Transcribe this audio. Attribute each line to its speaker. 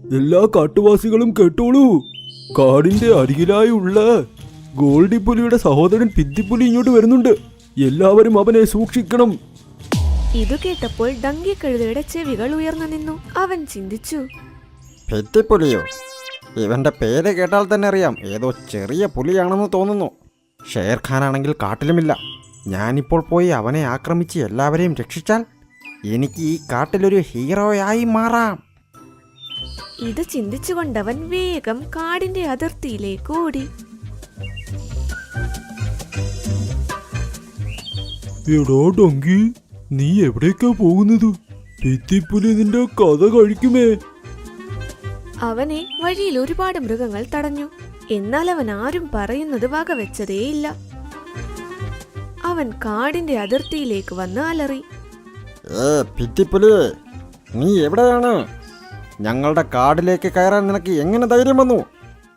Speaker 1: എല്ലാ കാട്ടുവാസികളും കേട്ടോളൂ. കാടിന്റെ അരികിലായുള്ള ഗോൾഡിപ്പുലിയുടെ സഹോദരൻ പിത്തിപ്പുലി ഇങ്ങോട്ട് വരുന്നുണ്ട്. എല്ലാവരും അവനെ സൂക്ഷിക്കണം.
Speaker 2: ഇതു കേട്ടപ്പോൾ ഡങ്കി കഴുതയുടെ ചെവികൾ ഉയർന്നു നിന്നു. അവൻ ചിന്തിച്ചു,
Speaker 3: പിത്തിപ്പുലിയോ? ഇവന്റെ പേര് കേട്ടാൽ തന്നെ അറിയാം ഏതോ ചെറിയ പുലിയാണെന്ന് തോന്നുന്നു. ഷേർഖാനാണെങ്കിൽ കാട്ടിലുമില്ല. ഞാനിപ്പോൾ പോയി അവനെ ആക്രമിച്ച് എല്ലാവരെയും രക്ഷിച്ചാൽ എനിക്ക് ഈ കാട്ടിലൊരു ഹീറോയായി മാറാം.
Speaker 2: ഇത് ചിന്തിച്ചുകൊണ്ടവൻ വേഗം കാടിന്റെ അതിർത്തിയിലേക്ക് ഓടി.
Speaker 1: എടാ ഡങ്കി, നീ എവിടേക്കാ പോകുന്നത്? പിത്തിപ്പുലി നിന്റെ കഥ കഴിക്കുമേ.
Speaker 2: അവനെ വഴിയിൽ ഒരുപാട് മൃഗങ്ങൾ തടഞ്ഞു. എന്നാൽ അവൻ ആരും പറയുന്നത് വകവെച്ചതേയില്ല. അവൻ കാടിന്റെ അതിർത്തിയിലേക്ക് വന്ന് അലറി,
Speaker 3: പിത്തിപ്പുലി, നീ എവിടെയാണ്? ഞങ്ങളുടെ കാടിലേക്ക് കയറാൻ നിനക്ക് എങ്ങനെ ധൈര്യം വന്നു?